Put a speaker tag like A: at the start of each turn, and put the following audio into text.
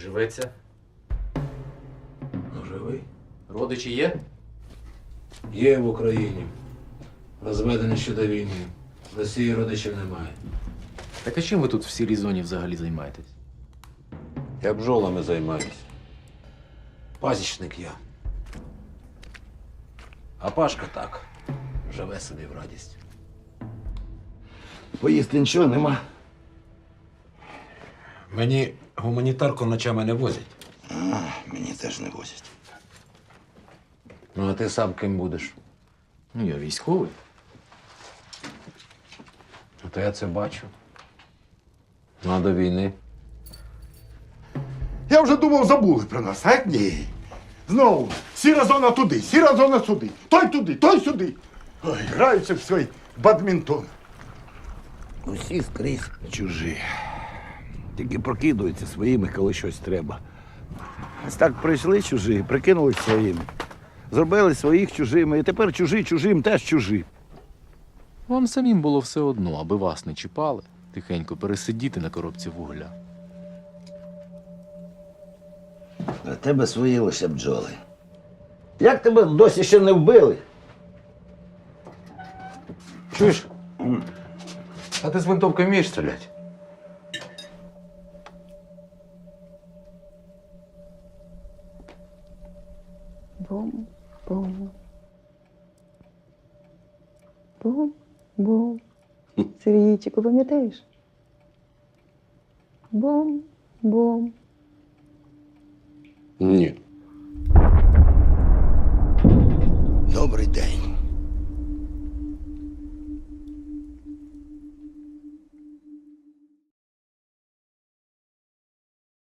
A: живеться?
B: Ну, живий.
A: Родичі є?
B: Є в Україні. Розведений ще до війни. В Росії родичів немає.
A: Так а чим ви тут в сірій зоні взагалі займаєтесь?
B: Я бджолами займаюся. Пасічник я. А Пашка так. Живе собі в радість.
C: Поїсти нічого нема.
B: Мені гуманітарку ночами не возять.
C: Мені теж не возять.
B: Ну, а ти сам ким будеш?
A: Ну, я військовий.
B: Ну, то я це бачу. Ну, а до війни?
C: Я вже думав, забули про нас, а ні. Знову сіра зона туди, сіра зона сюди. Той туди, той сюди. Ой, граються в свій бадмінтон. Усі скрізь чужі. Тільки прокидуються своїми, коли щось треба. Ось так прийшли чужі, прикинулись своїми. Зробили своїх чужими, і тепер чужі чужим теж чужі.
A: Вам самим було все одно, аби вас не чіпали, тихенько пересидіти на коробці вугля.
D: А тебе свої лише бджоли. Як тебе досі ще не вбили?
B: Чуєш? А ти з винтовкою вмієш стріляти?
E: Бум-бум. Бум-бум. Сергійчику, пам'ятаєш? Бум-бум.